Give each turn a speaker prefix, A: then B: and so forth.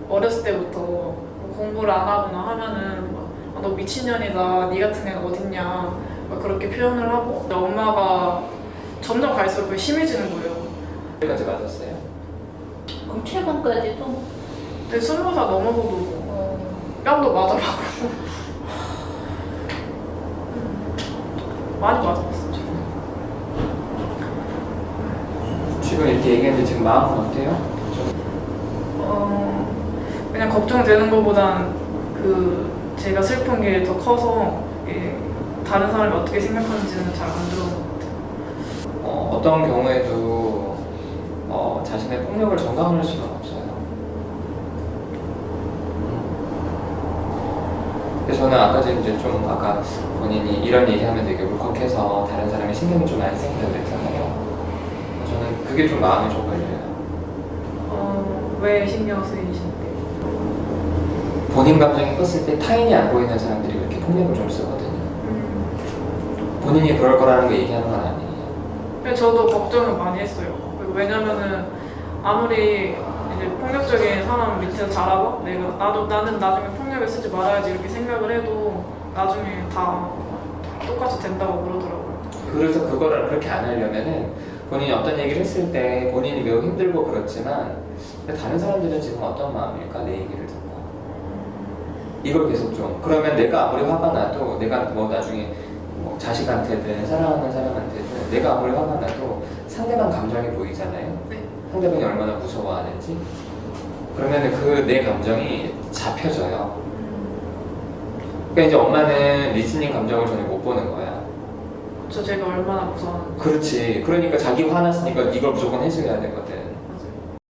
A: 어렸을 때부터 뭐 공부를 안 하거나 하면은 막, 아, 너 미친년이다, 니 같은 애가 어딨냐 막 그렇게 표현을 하고 엄마가 점점 갈수록 그게 심해지는 거예요.
B: 여기까지 맞았어요?
C: 그럼 최근까지도?
A: 근데 20살 넘어서도 뺨도 맞아봤고 많이 맞아봤어요.
B: 지금 이렇게 얘기했는데 지금 마음은 어때요?
A: 그냥 걱정되는 것보단 그 제가 슬픈 게 더 커서 다른 사람이 어떻게 생각하는지는 잘 안 들어오는 것 같아요.
B: 어떤 경우에도 자신의 폭력을 정당화할 수는 없어요. 근데 저는 아까 이제 좀 아까 본인이 이런 얘기하면 되게 울컥해서 다른 사람이 신경이 좀 많이 생긴다고 했잖아요. 저는 그게 좀 마음이 좀 걸려요.
A: 왜 신경 쓰이신데?
B: 본인 감정이 컸을 때 타인이 안 보이는 사람들이 그렇게 폭력을 좀 쓰거든요. 본인이 그럴 거라는 거 얘기하는 건 아니에요.
A: 근데 저도 걱정을 많이 했어요. 왜냐면은 아무리 이제 폭력적인 사람 밑에서 자라고 나는 나중에 폭력을 쓰지 말아야지 이렇게 생각을 해도 나중에 다 똑같이 된다고 그러더라고요.
B: 그래서 그거를 그렇게 안 하려면은 본인이 어떤 얘기를 했을 때 본인이 매우 힘들고 그렇지만 근데 다른 사람들은 지금 어떤 마음일까? 내 얘기를 듣고 이걸 계속 좀 그러면 내가 아무리 화가 나도 내가 뭐 나중에 뭐 자식한테든 사랑하는 사람한테든 내가 아무리 화가 나도 상대방 감정이 보이잖아요.
A: 네.
B: 상대방이 얼마나 무서워하는지 그러면은 그 내 감정이 잡혀져요. 그러니까 이제 엄마는 리스닝 감정을 전혀 못 보는 거야.
A: 제가 얼마나 무서웠는지.
B: 그렇지. 그러니까 자기 화났으니까 이걸 무조건 해줘야 되거든.